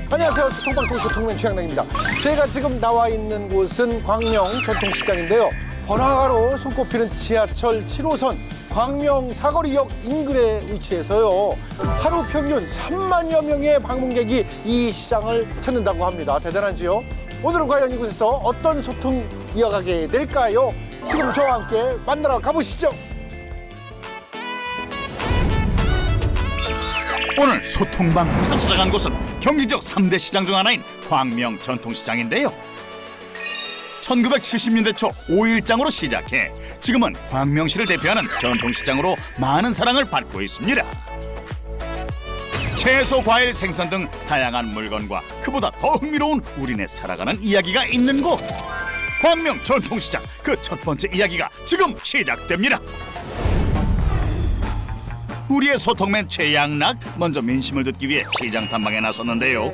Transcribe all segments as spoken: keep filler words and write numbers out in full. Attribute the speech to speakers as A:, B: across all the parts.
A: 안녕하세요. 소통방통 소통맨 최양락입니다. 제가 지금 나와 있는 곳은 광명 전통시장인데요. 번화가로 손꼽히는 지하철 칠 호선 광명 사거리역 인근에 위치해서요. 하루 평균 삼만여 명의 방문객이 이 시장을 찾는다고 합니다. 대단하지요? 오늘은 과연 이곳에서 어떤 소통 이어가게 될까요? 지금 저와 함께 만나러 가보시죠.
B: 오늘 소통방통에서 찾아간 곳은 경기 지역 삼 대 시장 중 하나인 광명 전통시장인데요. 천구백칠십 년대 초 오일장으로 시작해 지금은 광명시를 대표하는 전통시장으로 많은 사랑을 받고 있습니다. 채소, 과일, 생선 등 다양한 물건과 그보다 더 흥미로운 우리네 살아가는 이야기가 있는 곳. 광명 전통시장 그 첫 번째 이야기가 지금 시작됩니다. 우리의 소통맨 최양락 먼저 민심을 듣기 위해 시장 탐방에 나섰는데요.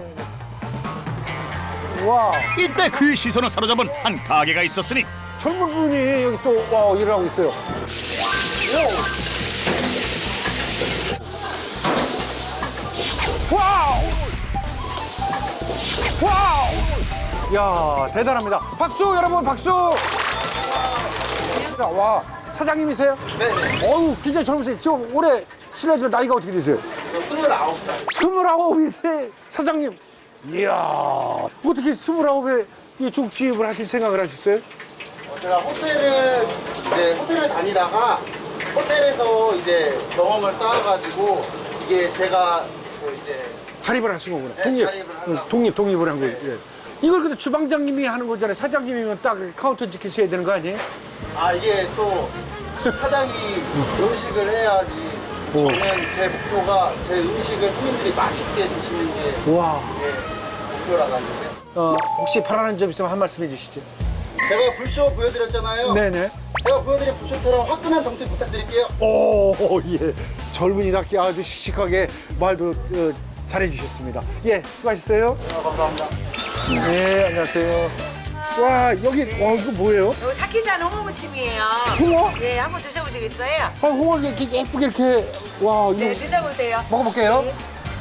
A: 와,
B: 이때 그의 시선을 사로잡은 한 가게가 있었으니
A: 젊은 분이 여기 또 와, 일을 하고 있어요. 와우! 와우! 야, 대단합니다. 박수 여러분, 박수! 와, 사장님이세요?
C: 네.
A: 어우, 굉장히 젊으세요. 지금 올해 실례지만 나이가 어떻게 되세요?
C: 스물아홉 살.
A: 스물아홉인데 사장님. 이야, 어떻게 스물아홉에 이 죽집을 하실 생각을 하셨어요?
C: 어, 제가 호텔을 이제 호텔을 다니다가 호텔에서 이제 경험을 쌓아가지고 이게 제가 뭐 이제
A: 자립을 하신 거구나.
C: 네,
A: 독립.
C: 자립을 하려고.
A: 응, 독립, 독립을 한 거예요. 예. 이걸 근데 주방장님이 하는 거잖아요. 사장님이면 딱 카운터 지키셔야 되는 거 아니에요?
C: 아 이게 또 사장이 음식을 해야지.
A: 오.
C: 저는 제 목표가 제 음식을 손님들이 맛있게 드시는 게
A: 와.
C: 제 목표라 가지고.
A: 어, 혹시 바라는 점 있으면 한 말씀 해주시죠.
C: 제가 불쇼 보여드렸잖아요.
A: 네네.
C: 제가 보여드린 불쇼처럼 화끈한 정치 부탁드릴게요.
A: 오, 예. 젊은이답게 아주 씩씩하게 말도 어, 잘해주셨습니다. 예, 수고하셨어요.
C: 아, 감사합니다.
A: 네, 안녕하세요. 와, 여기, 와, 이거 뭐예요?
D: 이거 사키잔 홍어무침이에요.
A: 홍어?
D: 네, 한번 드셔보시겠어요?
A: 아, 홍어 이렇게 예쁘게 이렇게, 와, 이거
D: 네, 드셔보세요.
A: 먹어볼게요.
D: 네.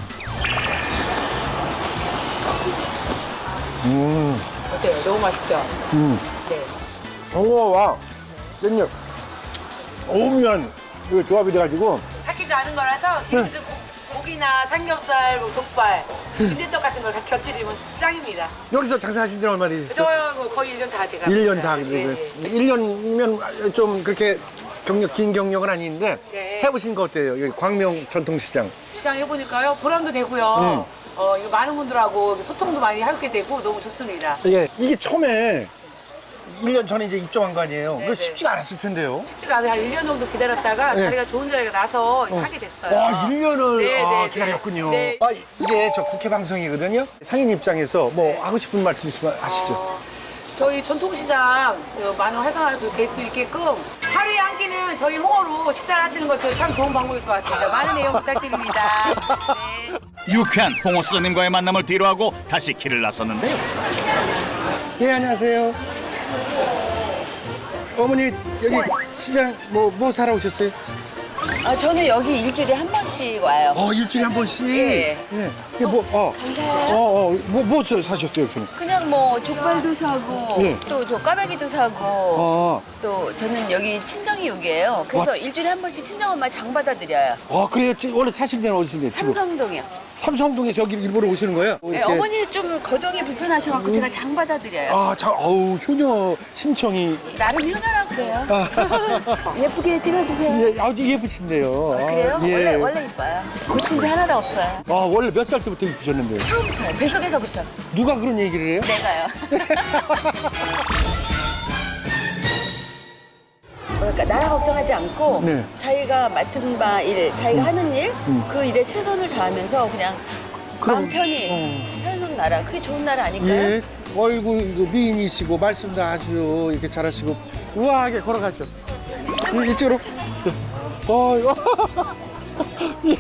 A: 음,
D: 어때요? 너무 맛있죠?
A: 음.
D: 네.
A: 홍어와 깻잎, 오묘한 그 조합이 돼가지고,
D: 삭히지 않은 거라서 기름진 고- 고기나 삼겹살, 뭐 족발, 빈대떡 같은 걸 다 곁들이면 짱입니다.
A: 여기서 장사하신 지는 얼마 되셨어요?
D: 저요 뭐 거의 일 년 다 돼가고
A: 일 년 다
D: 있어요.
A: 되고요.
D: 네, 네.
A: 일 년이면 좀 그렇게 경력, 긴 경력은 아닌데,
D: 네.
A: 해보신 거 어때요? 여기 광명 전통시장.
D: 시장 해보니까요 보람도 되고요. 어, 이거 많은 분들하고 소통도 많이 하게 되고 너무 좋습니다.
A: 예, 이게 처음에 일 년 전에 이제 입점한 거 아니에요?
D: 네,
A: 그거
D: 네.
A: 쉽지가 않았을 텐데요.
D: 쉽지가 않아요. 한 일 년 정도 기다렸다가
A: 네.
D: 자리가 좋은 자리가 나서 하게 됐어요.
A: 와, 일 년을
D: 네,
A: 아,
D: 네, 네.
A: 기다렸군요.
D: 네.
A: 아, 이게 저 국회 방송이거든요. 상인 입장에서 뭐 하고 싶은 말씀 있으면 하시죠.
D: 어, 저희 전통시장 어, 많은 활성화될 수 있게끔 하루에 한 끼는 저희 홍어로 식사를 하시는 것도 참 좋은 방법일 것 같습니다. 많은 애용 부탁드립니다. 네.
B: 유쾌한 홍어 사장님과의 만남을 뒤로하고 다시 길을 나섰는데요.
A: 예, 안녕하세요. 어머니, 여기 시장 뭐, 뭐 사러 오셨어요?
E: 아, 저는 여기 일주일에 한 번씩 와요.
A: 어, 일주일에 한 번씩?
E: 예.
A: 예. 이게 뭐, 어.
E: 감사해요.
A: 어, 어, 뭐, 뭐 저- 사셨어요, 여기서는?
E: 그냥 뭐 족발도 사고
A: 예.
E: 또 저 까베기도 사고
A: 어.
E: 또 저는 여기 친정이 여기예요. 그래서
A: 와.
E: 일주일에 한 번씩 친정엄마 장 받아드려요.
A: 아, 그래요? 지- 원래 사시는 데는 어디신데, 지금?
E: 삼성동이요.
A: 삼성동에서 여기 일부러 오시는 거예요?
E: 네,
A: 이렇게.
E: 어머니 좀 거동이 불편하셔갖고 제가 장 받아드려요.
A: 아, 자, 어우, 효녀 심청이.
E: 나름 효녀라고 그래요. 예쁘게 찍어주세요.
A: 예, 아주 예쁘신데요.
E: 아, 그래요?
A: 아, 예.
E: 원래 원래 이뻐요. 고친 데 하나도 없어요.
A: 아, 원래 몇 살 때부터 입으셨는데요?
E: 처음부터요. 뱃속에서부터.
A: 누가 그런 얘기를 해요?
E: 내가요. 그러니까 나라 걱정하지 않고
A: 네.
E: 자기가 맡은 바 일, 자기가 하는 일, 그 일에 최선을 다하면서 그냥
A: 그럼-
E: 마음 편히 사는 나라. 그게 좋은 나라 아닐까요?
A: 예. 얼굴도 미인이시고, 말씀도 아주 이렇게 잘하시고, 우아하게 걸어가죠. 이- 이쪽으로. 어, 예.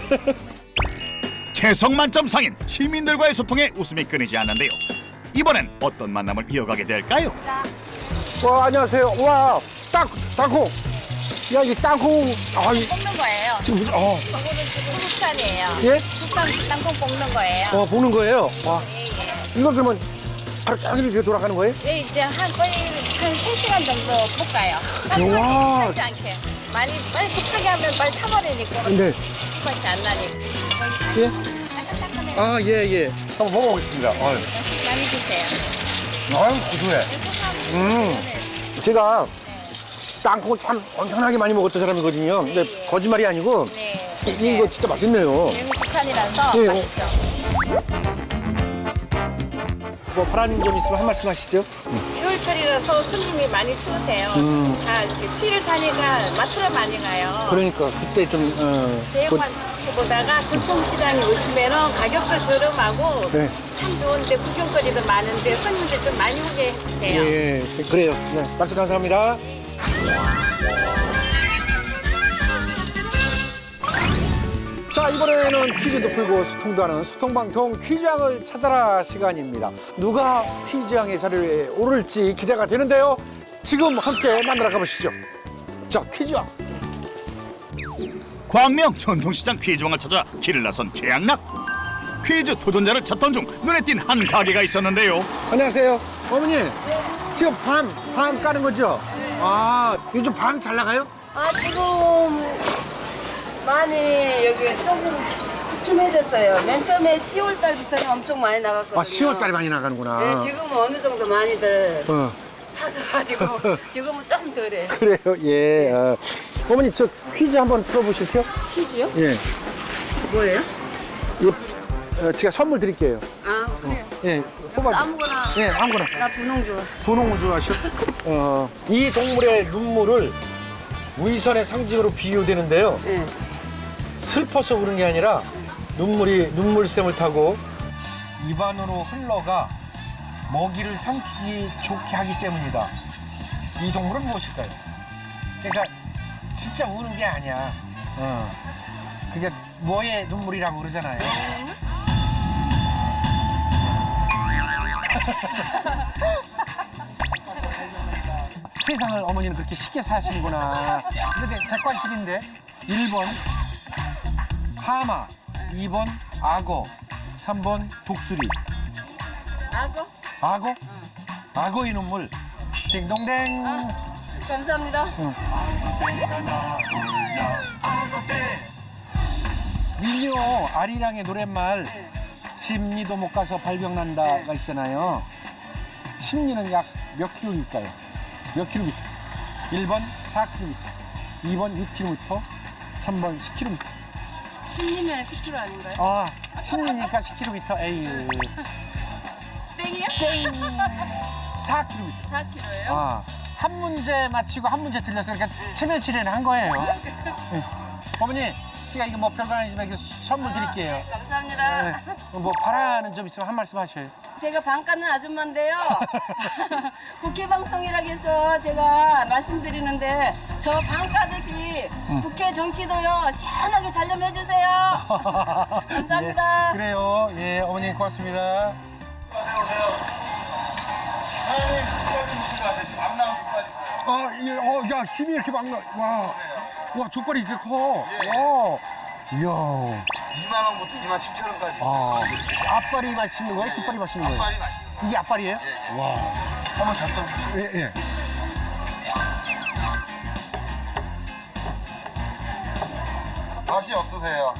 B: 개성 만점 상인 시민들과의 소통에 웃음이 끊이지 않는데요. 이번엔 어떤 만남을 이어가게 될까요?
A: 와, 안녕하세요. 와, 땅, 땅콩. 야, 이 땅콩. 아, 이-
D: 볶는 거예요.
A: 지금, 어,
D: 이거는 지금 국산이에요.
A: 예?
D: 국산 땅콩 볶는 거예요.
A: 어, 보는 거예요. 와,
D: 예,
A: 이걸 그러면 하루 종일 이렇게 돌아가는 거예요?
F: 네, 이제 한 거의 한 세 시간 정도 볶아요.
A: 우와.
F: 타지 않게. 많이 빨리 급하게 하면 빨리 타버리니까
A: 네.
F: 맛이 안 나니까.
A: 예?
F: 따끈따끈해.
A: 아, 예, 예. 한번 먹어보겠습니다. 아유,
F: 맛있게 많이 드세요.
A: 아유 고소해. 음. 제가 땅콩을 참 엄청나게 많이 먹었던 사람이거든요. 근데
F: 네.
A: 거짓말이 아니고
F: 네.
A: 이- 이거 진짜 맛있네요.
F: 외국 국산이라서
A: 예,
F: 맛있죠.
A: 뭐 파란 점 있으면 한 말씀 하시죠.
F: 겨울철이라서 손님이 많이 추우세요.
A: 음.
F: 다 이렇게 추위를 타니까 마트로 많이 가요.
A: 그러니까 그때 좀 어, 그-
F: 대형마트보다가 전통시장에 오시면은 가격도 저렴하고
A: 네.
F: 참 좋은데 구경거리도 많은데 손님들 좀 많이 오게 해주세요.
A: 예, 예, 그래요. 네, 말씀 감사합니다. 자, 이번에는 퀴즈도 풀고 소통도 하는 소통방통 퀴즈왕을 찾아라 시간입니다. 누가 퀴즈왕의 자리에 오를지 기대가 되는데요. 지금 함께 만나러 가보시죠. 자, 퀴즈왕.
B: 광명 전통시장 퀴즈왕을 찾아 길을 나선 최양락. 퀴즈 도전자를 찾던 중 눈에 띈 한 가게가 있었는데요.
A: 안녕하세요. 어머니, 지금 밤, 밤 까는 거죠? 아, 요즘 밤 잘 나가요?
G: 아 지금 많이 여기 조금 주춤해졌어요. 맨 처음에 시월 달부터는 엄청 많이 나갔거든요.
A: 아, 시월 달에 많이 나가는구나.
G: 네, 지금은 어느 정도 많이들
A: 어.
G: 사셔가지고 지금은 좀 덜해.
A: 그래요, 예. 어. 어머니, 저 퀴즈 한번 풀어보실게요?
G: 퀴즈요?
A: 예.
G: 뭐예요?
A: 이거, 어, 제가 선물 드릴게요.
G: 아 그래요?
A: 예. 뽑아.
G: 아무거나.
A: 예, 아무거나.
G: 나 분홍 좋아.
A: 분홍을 좋아하셔? 어, 이 동물의 눈물을 위선의 상징으로 비유되는데요.
G: 네.
A: 슬퍼서 우는 게 아니라 눈물이 눈물샘을 타고 입안으로 흘러가 먹이를 삼키기 좋게 하기 때문이다. 이 동물은 무엇일까요? 그러니까 진짜 우는 게 아니야. 어. 그게 뭐의 눈물이라고 그러잖아요. 세상을 어머니는 그렇게 쉽게 사시는구나. 근데 객관식인데 일 번 하마, 이 번 악어, 삼 번 독수리.
G: 악어?
A: 악어? 악어의 눈물. 띵동댕.
G: 감사합니다.
A: 민요 아리랑의 노랫말 심리도 못 가서 발병난다가 있잖아요. 심리는 약 몇 킬로일까요? 몇 킬로미터? 일 번 사 킬로미터, 이 번 육 킬로미터, 삼 번 십 킬로미터.
G: 십리면 십 킬로미터 아닌가요?
A: 아, 심리니까 십 킬로미터. 에이.
G: 땡이요?
A: 땡. 사 킬로미터.
G: 사 킬로미터예요?
A: 아, 한 문제 맞히고 한 문제 틀려서 그러니까 체면치레는 한 거예요. 네. 어머니, 제가 이거 뭐 별거 아니지만 이거 선물 드릴게요.
G: 감사합니다.
A: 네. 뭐 바라는 점 있으면 한 말씀 하셔요.
G: 제가 방 까는 아줌마인데요. 국회 방송이라고 해서 제가 말씀드리는데 저 방 까듯이 국회 정치도요 시원하게 잘 좀 해주세요. 감사합니다.
A: 예, 그래요. 예, 어머니 고맙습니다. 아, 예, 어, 야, 김이 이렇게 막 나. 와, 와, 족발이 이렇게 커. 와, 이야.
C: 이만 원부터 이만 칠천 원까지.
A: 아, 앞발이 맛있는 거예요? 뒷발이 맛있는 거예요?
C: 빨리 맛있는 거.
A: 이게 앞발이에요? 와.
C: 한번 잡숴.
A: 예, 예.
C: 맛이 어떠세요?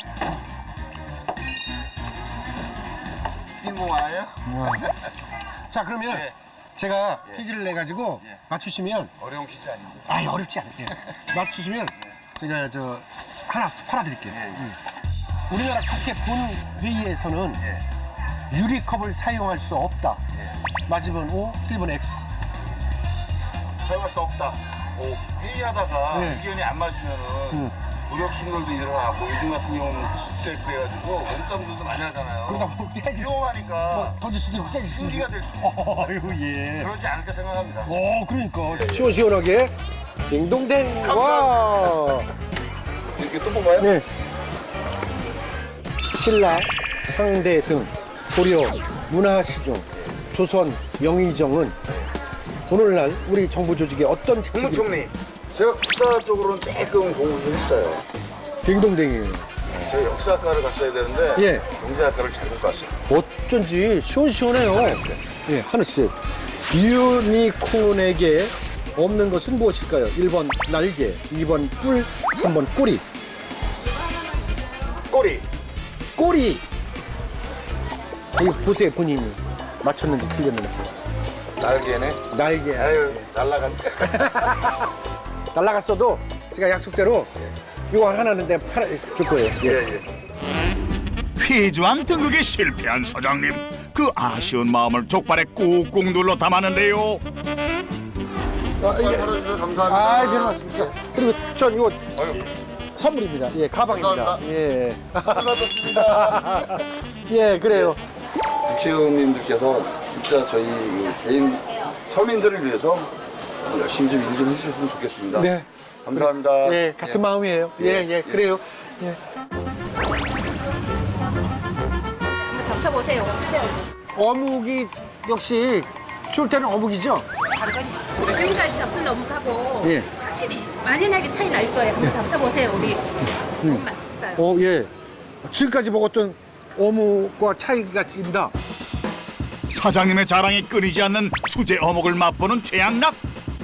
C: 흰공화예요?
A: 자, 그러면
C: 예.
A: 제가 퀴즈를 내가지고
C: 예.
A: 맞추시면,
C: 어려운 퀴즈 아니죠?
A: 아예 어렵지 않아요. 맞추시면 제가 저 하나 팔아드릴게요.
C: 예, 예.
A: 음. 우리나라 국회 본회의에서는
C: 예.
A: 유리컵을 사용할 수 없다.
C: 예.
A: 맞으면 O, 틀리면 X.
C: 사용할 수 없다. 오, 회의하다가
A: 네.
C: 의견이 안 맞으면은
A: 음.
C: 무력 신gol도 일어나고 요즘 같은 경우는 흡수되고 해가지고 몸싸움들도 많이 하잖아요.
A: 그러다 뭐 깨질 수,
C: 위험하니까
A: 뭐 던질 수도 있고 깨질 수도 있고.
C: 승기가 될 수 있고
A: 어휴, 예.
C: 그러지 않을까 생각합니다.
A: 오, 그러니까. 시원시원하게. 딩동댕. 와.
C: 이렇게 또 뽑아요?
A: 네. 신라, 상대 등 고려, 문화시종, 조선, 영의정은 오늘날 우리 정부 조직에 어떤 직책이
C: 국무총리. 제가 국사 쪽으로는 조금 공부를 했어요.
A: 딩동댕이에요.
C: 저 역사학과를 갔어야 되는데
A: 예.
C: 경제학과를 잘못 갔어요.
A: 어쩐지 시원시원해요. 예, 하늘색. 유니콘에게 없는 것은 무엇일까요? 일 번 날개, 이 번 뿔, 삼 번 꼬리.
C: 꼬리.
A: 꼬리. 이거 보세요, 본인이. 맞췄는지 틀렸는지.
C: 날개네.
A: 날개.
C: 아유 날라간.
A: 날라갔어도 제가 약속대로 이거 하나는 내가 팔아 줄 거예요. 예.
C: 예 예.
B: 퀴즈왕 등극에 실패한 사장님. 그 아쉬운 마음을 족발에 꾹꾹 눌러 담았는데요.
A: 아, 이게,
C: 팔아주셔서 감사합니다.
A: 아, 별 말씀입니다. 그리고 전 이거
C: 아유,
A: 선물입니다. 예, 가방입니다.
C: 감사합니다.
A: 예.
C: 받았습니다.
A: 예, 그래요.
C: 국회의원님들께서 진짜 저희 그 개인 서민들을 위해서 열심히 좀 일 좀 해주셨으면 좋겠습니다.
A: 네.
C: 감사합니다.
A: 예, 같은 마음이에요. 예, 예, 그래요. 예.
F: 잡숴보세요.
A: 어묵이 역시 줄 때는 어묵이죠?
F: 당근이죠. 지금까지 잡순 어묵하고
A: 예.
F: 확실히 만연하게 차이 날 거예요. 한번 잡숴보세요, 우리. 너무 맛있어요.
A: 어, 예. 지금까지 먹었던 어묵과 차이가 진다.
B: 사장님의 자랑이 끊이지 않는 수제 어묵을 맛보는 최양락.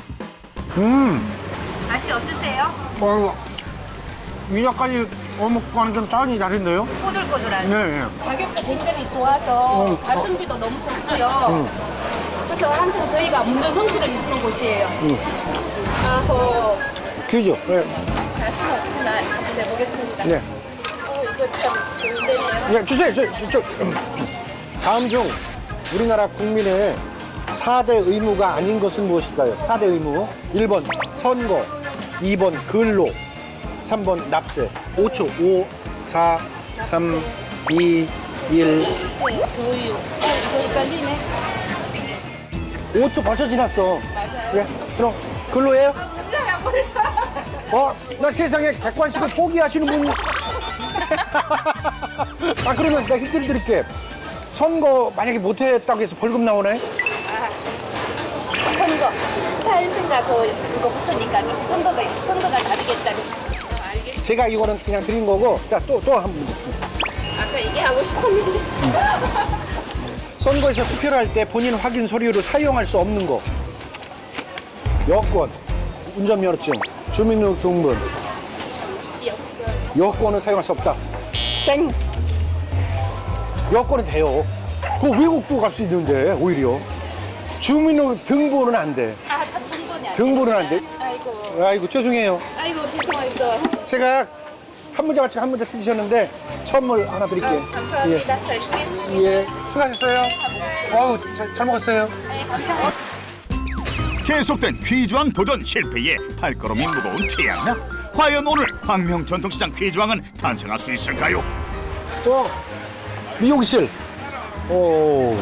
F: 맛이 어떠세요?
A: 어, 위에까지 어묵과는 좀 짠이 다른데요?
F: 꼬들꼬들한.
A: 네, 예.
F: 가격도 굉장히 좋아서 가성비도 너무 좋고요. 그래서 항상 저희가 운전 성실을 이루는 곳이에요. 아호.
A: 귀죠? 예.
F: 다시는 없지만 한번 해보겠습니다.
A: 네.
F: 어, 이거 참 좋은데네요.
A: 네, 주세요. 저, 저, 저. 음. 다음 중 우리나라 국민의 사 대 의무가 아닌 것은 무엇일까요? 사 대 의무. 일 번 선거, 이 번 근로, 삼 번 납세. 오 초. 오, 사, 삼, 이, 일.
F: 교육. 어, 이거 헷갈리네.
A: 오 초 벌써 지났어. 맞아요. 예, 그럼 근로예요?
F: 몰라요, 몰라.
A: 어, 나 세상에 객관식을 포기하시는 분. 아, 그러면 내가 힌트를 드릴게. 선거 만약에 못했다고 해서 벌금 나오나요?
F: 선거. 십팔 세가 그, 그거 붙으니까 선거가, 선거가 다르겠다고. 어, 알겠
A: 제가 이거는 그냥 드린 거고. 자, 또, 또 한 분.
F: 아까 얘기하고 싶었는데.
A: 선거에서 투표를 할 때 본인 확인 서류로 사용할 수 없는 거. 여권, 운전면허증, 주민등록등본. 여권은 사용할 수 없다. 땡! 여권은 돼요. 그 외국도 갈 수 있는데, 오히려. 주민등록등본은 안 돼.
F: 아, 참 등본이 안
A: 등본은 안 돼.
F: 아이고.
A: 아이고, 죄송해요.
F: 아이고, 죄송합니다.
A: 제가 한 문제 맞추고 한 문제 틀리셨는데, 선물 하나 드릴게요.
F: 감사합니다. 잘 쓰겠습니다.
A: 예. 예. 수고하셨어요. 어우, 잘, 잘 먹었어요.
F: 네, 감사합니다.
B: 계속된 퀴즈왕 도전 실패에 발걸음이 무거운 최양락. 과연 오늘 광명 전통시장 퀴즈왕은 탄생할 수 있을까요?
A: 어, 미용실. 오.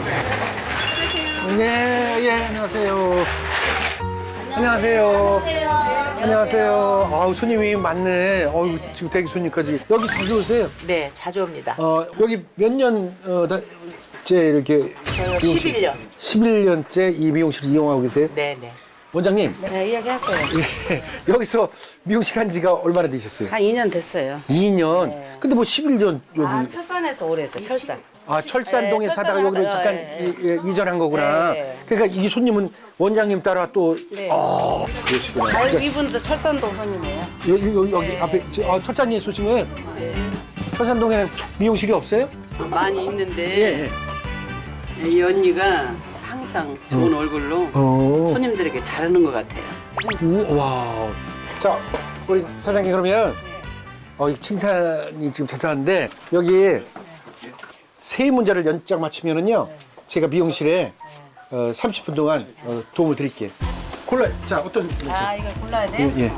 A: 네, 예, 안녕하세요. 안녕하세요. 안녕하세요. 아우, 손님이 많네. 어우, 지금 대기 손님까지. 여기 자주 오세요?
H: 네, 자주 옵니다.
A: 어, 여기 몇 년, 어, 다, 째 이렇게.
H: 저요
A: 미용실-
H: 십일 년.
A: 십일 년째 이 미용실을 이용하고 계세요?
H: 네, 네.
A: 원장님,
H: 네, 이야기하세요.
A: 예, 여기서 미용실 한 지가 얼마나 되셨어요?
H: 한 이 년 됐어요.
A: 이 년? 근데 뭐 십일 년 여기.
H: 아, 철산에서 오래 했어요, 철산.
A: 아, 철산동에
H: 네,
A: 사다가 여기로
H: 철산하다가,
A: 잠깐
H: 예,
A: 이, 예, 이전한 거구나.
H: 네.
A: 그러니까 이 손님은 원장님 따라 또.
H: 네.
A: 아, 그러시구나.
H: 아,
A: 그러니까
H: 이분도 철산동 손님이에요.
A: 여기, 여기, 여기
H: 네.
A: 앞에, 저- 아, 철산리에 쏘시면 철산동에는 미용실이 없어요?
I: 많이
A: 예,
I: 있는데
A: 예.
I: 이 언니가 항상 좋은 얼굴로
A: 어.
I: 손님들에게 잘하는 것 같아요.
A: 우, 와. 자, 우리 사장님 그러면, 어, 이 칭찬이 지금 자자한데, 여기 세 문제를 연짝 맞추면은요, 제가 미용실에 어, 삼십 분 동안 어, 도움을 드릴게요. 골라요. 자, 어떤.
H: 아, 이걸 골라야 돼?
A: 예, 예.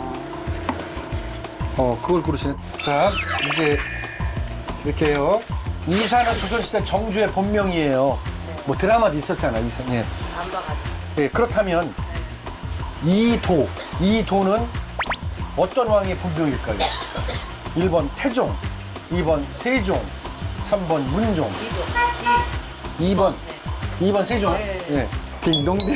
A: 어, 그걸 고르시네. 자, 이제 이렇게 해요. 이사는 조선시대 정주의 본명이에요. 뭐 드라마도 있었잖아, 이사. 예.
H: 안 봐가지고.
A: 예, 그렇다면 이도, 이도는 어떤 왕의 본명일까요? 일 번 태종, 이 번 세종, 삼 번 문종. 이 번. 이 번 세종. 예. 딩동댕.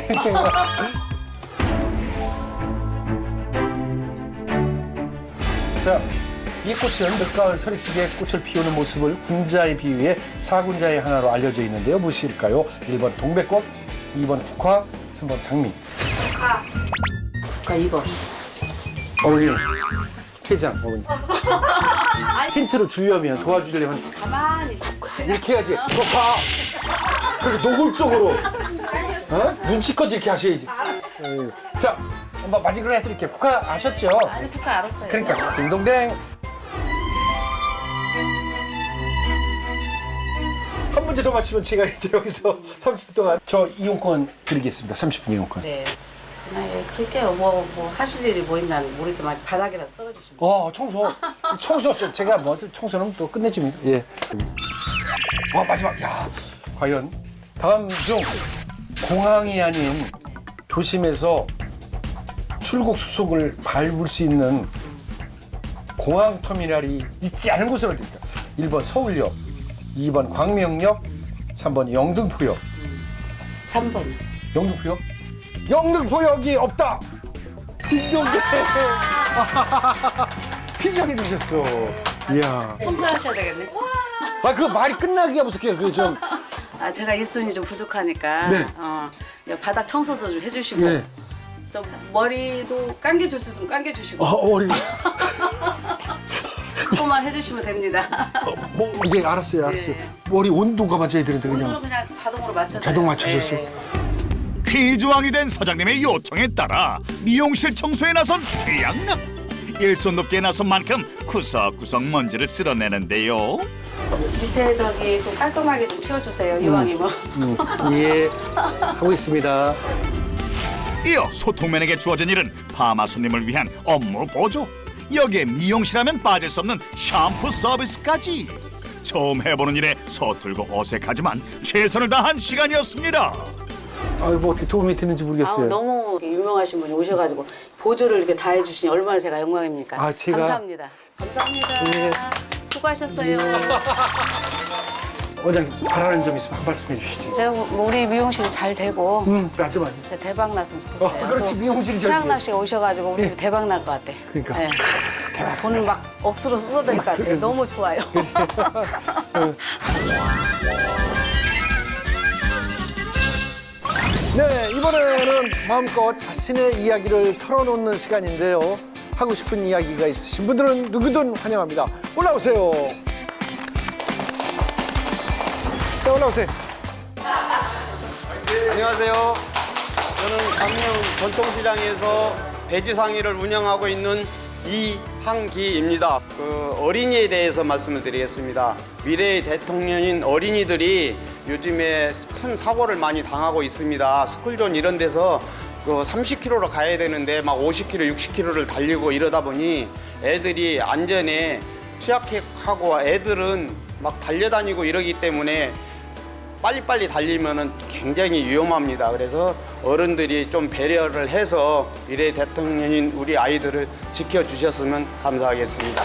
A: 자, 이 꽃은 늦가을 서리속에 꽃을 피우는 모습을 군자에 비유해 사군자의 하나로 알려져 있는데요. 무엇일까요? 일 번 동백꽃, 이 번 국화, 삼 번 장미.
H: 국화 이 번.
A: 어머니, 퇴장, 어머니. 힌트를 주려면, 도와주려면
H: 가만히 있고.
A: 이렇게 해야지. 국화. 그렇게 노골적으로. 어? 눈치껏 이렇게 하셔야지. 음. 자, 한번 마지막으로 해드릴게요. 국화 아셨죠?
H: 아니 국화 알았어요.
A: 그러니까 딩동댕. 한 문제 더 맞히면 제가 이제 여기서 삼십 분 동안 저 이용권 드리겠습니다. 삼십 분 이용권.
H: 네. 네, 그렇게 뭐, 뭐 하실 일이 뭐 있나 모르지만 바닥이라도 썰어주시면.
A: 어, 청소. 청소 또 제가 뭐 청소는 또 끝내줍니다. 예. 와, 마지막. 야, 과연 다음 중 공항이 아닌 도심에서 출국 수속을 밟을 수 있는 공항 터미널이 있지 않은 곳은 어디입니까? 일 번 서울역, 이 번 광명역, 삼 번 영등포역.
H: 삼 번.
A: 영등포역? 영등포역이 없다! 빈정대! 빈정이 되셨어. 이야.
H: 청소하셔야 되겠네.
A: 아, 그 말이 끝나기가 무섭게, 그 좀.
H: 아, 제가 일손이 좀 부족하니까.
A: 네.
H: 어, 바닥 청소도 좀 해주시고.
A: 네.
H: 좀 머리도 감겨줄 수 있으면 감겨주시고.
A: 어, 머리.
H: 그것만 해주시면 됩니다.
A: 어, 뭐, 예, 알았어요, 알았어요.
H: 네.
A: 머리 온도가 맞아야 되는데,
H: 온도는
A: 그냥.
H: 그냥 자동으로 맞춰서.
A: 자동 맞춰줬어.
B: 퀴즈왕이 된 서장님의 요청에 따라 미용실 청소에 나선 최양락. 일손 높게 나선 만큼 구석구석 먼지를 쓸어내는데요.
H: 밑에 저기 또 깔끔하게 좀 치워주세요, 이왕이면.
A: 음, 예, 하고 있습니다.
B: 이어 소통맨에게 주어진 일은 파마 손님을 위한 업무 보조. 여기에 미용실하면 빠질 수 없는 샴푸 서비스까지. 처음 해보는 일에 서툴고 어색하지만 최선을 다한 시간이었습니다.
A: 아유, 뭐 어떻게 도움이 됐는지 모르겠어요.
H: 아우, 너무 유명하신 분이 오셔가지고 보조를 이렇게 다 해주시니 얼마나 제가 영광입니까?
A: 아, 제가-
H: 감사합니다. 감사합니다.
A: 예.
H: 수고하셨어요.
A: 원장님, 바라는 점 있으면 한 말씀 해주시지.
H: 제가 뭐 우리 미용실이 잘 되고
A: 음, 맞아, 맞아.
H: 대박 났으면 좋겠어요.
A: 어, 그렇지,
H: 또
A: 미용실이 잘
H: 최양락
A: 돼.
H: 씨가 오셔가지고 우리 집에 대박 날 것 같아.
A: 그러니까.
H: 네. 돈을 막 억수로 쏟아댈 것 같아요. 너무 좋아요.
A: 네, 이번에는 마음껏 자신의 이야기를 털어놓는 시간인데요. 하고 싶은 이야기가 있으신 분들은 누구든 환영합니다. 올라오세요. 자, 올라오세요.
J: 안녕하세요. 저는 광명 전통시장에서 돼지상의를 운영하고 있는 이항기입니다. 그 어린이에 대해서 말씀을 드리겠습니다. 미래의 대통령인 어린이들이 요즘에 큰 사고를 많이 당하고 있습니다. 스쿨존 이런 데서 그 삼십 킬로미터로 가야 되는데 막 오십 킬로미터, 육십 킬로미터를 달리고 이러다 보니 애들이 안전에 취약하고 애들은 막 달려다니고 이러기 때문에 빨리빨리 달리면은 굉장히 위험합니다. 그래서 어른들이 좀 배려를 해서 미래 대통령인 우리 아이들을 지켜주셨으면 감사하겠습니다.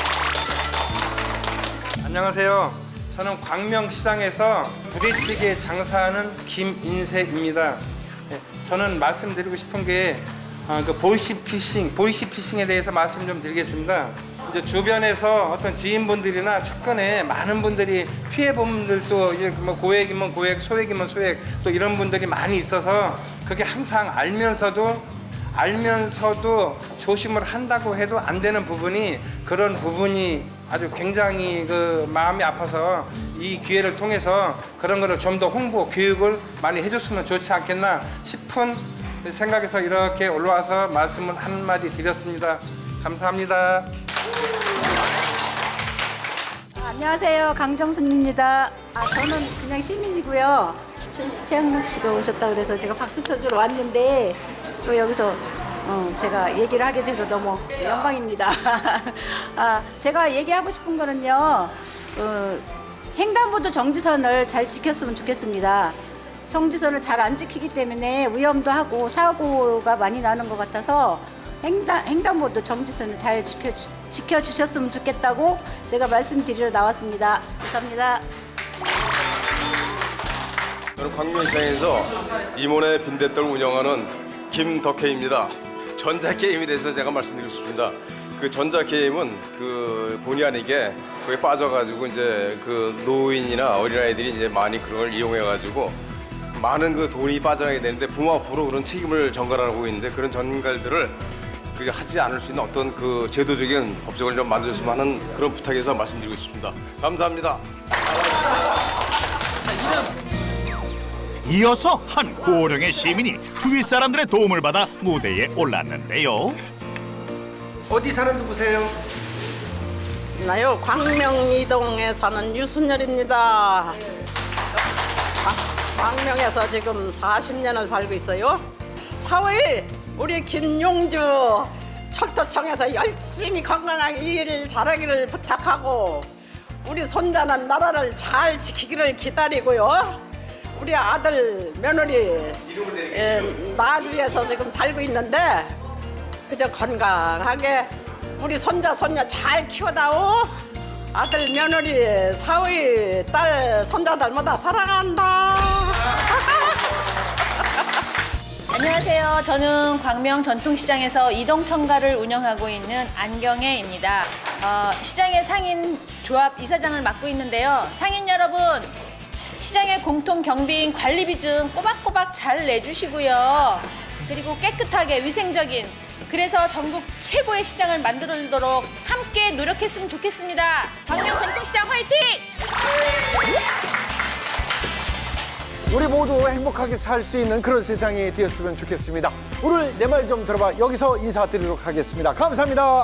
K: 안녕하세요. 저는 광명시장에서 부대찌개 장사하는 김인세입니다. 네, 저는 말씀드리고 싶은 게 어, 그 보이시피싱, 보이시피싱에 대해서 말씀 좀 드리겠습니다. 이제 주변에서 어떤 지인분들이나 측근에 많은 분들이 피해본 분들도 이제 뭐 고액이면 고액, 소액이면 소액 또 이런 분들이 많이 있어서 그게 항상 알면서도 알면서도 조심을 한다고 해도 안 되는 부분이 그런 부분이 아주 굉장히 그 마음이 아파서 이 기회를 통해서 그런 거를 좀 더 홍보, 교육을 많이 해줬으면 좋지 않겠나 싶은 생각에서 이렇게 올라와서 말씀을 한마디 드렸습니다. 감사합니다.
F: 안녕하세요. 강정순입니다. 아, 저는 그냥 시민이고요. 최양락 씨가 오셨다 그래서 제가 박수 쳐주러 왔는데 또 여기서 어, 제가 얘기를 하게 돼서 너무 영광입니다. 아, 제가 얘기하고 싶은 거는요. 어, 횡단보도 정지선을 잘 지켰으면 좋겠습니다. 정지선을 잘 안 지키기 때문에 위험도 하고 사고가 많이 나는 것 같아서 횡단, 횡단보도 정지선을 잘 지켜, 지켜주셨으면 좋겠다고 제가 말씀드리러 나왔습니다. 감사합니다.
L: 저는 광명시장에서 이모네 빈대떡을 운영하는 김덕혜입니다. 전자게임에 대해서 제가 말씀드리고 싶습니다. 그 전자 게임은 그 본의 아니게 거기에 빠져가지고 이제 그 노인이나 어린아이들이 이제 많이 그런 걸 이용해가지고 많은 그 돈이 빠져나게 되는데 부모 앞으로 그런 책임을 전가하고 있는데 그런 전갈들을 그게 하지 않을 수 있는 어떤 그 제도적인 법적을 좀 만들었으면 하는 그런 부탁에서 말씀드리고 싶습니다. 감사합니다.
B: 이어서 한 고령의 시민이 주위 사람들의 도움을 받아 무대에 올랐는데요.
K: 어디 사는 누구세요?
M: 나요 광명이동에 사는 유순열입니다. 광명에서 지금 사십 년을 살고 있어요. 사월 우리 김용주 철도청에서 열심히 건강하게 일 잘하기를 부탁하고 우리 손자는 나라를 잘 지키기를 기다리고요. 우리 아들 며느리 예, 낳기 위해서 지금 살고 있는데 그저 건강하게 우리 손자 손녀 잘 키워다오. 아들 며느리 사위 딸 손자들마다 사랑한다.
N: 안녕하세요. 저는 광명 전통시장에서 이동청가를 운영하고 있는 안경애입니다. 어, 시장의 상인 조합 이사장을 맡고 있는데요. 상인 여러분, 시장의 공통 경비인 관리비 좀 꼬박꼬박 잘 내주시고요. 그리고 깨끗하게 위생적인, 그래서 전국 최고의 시장을 만들도록 함께 노력했으면 좋겠습니다. 광명 전통시장 화이팅!
A: 우리 모두 행복하게 살 수 있는 그런 세상이 되었으면 좋겠습니다. 오늘 내 말 좀 들어봐. 여기서 인사드리도록 하겠습니다. 감사합니다.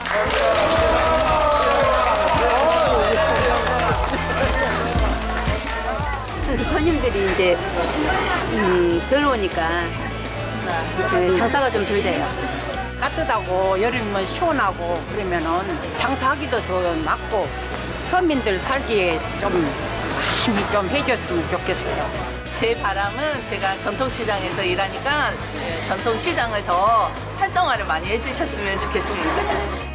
O: 손님들이 이제 음, 들어오니까 그 장사가 좀 덜 돼요.
P: 따뜻하고 여름이면 시원하고 그러면은 장사하기도 더 낫고 서민들 살기에 좀 많이 좀 해줬으면 좋겠어요.
Q: 제 바람은 제가 전통시장에서 일하니까 전통시장을 더 활성화를 많이 해주셨으면 좋겠습니다.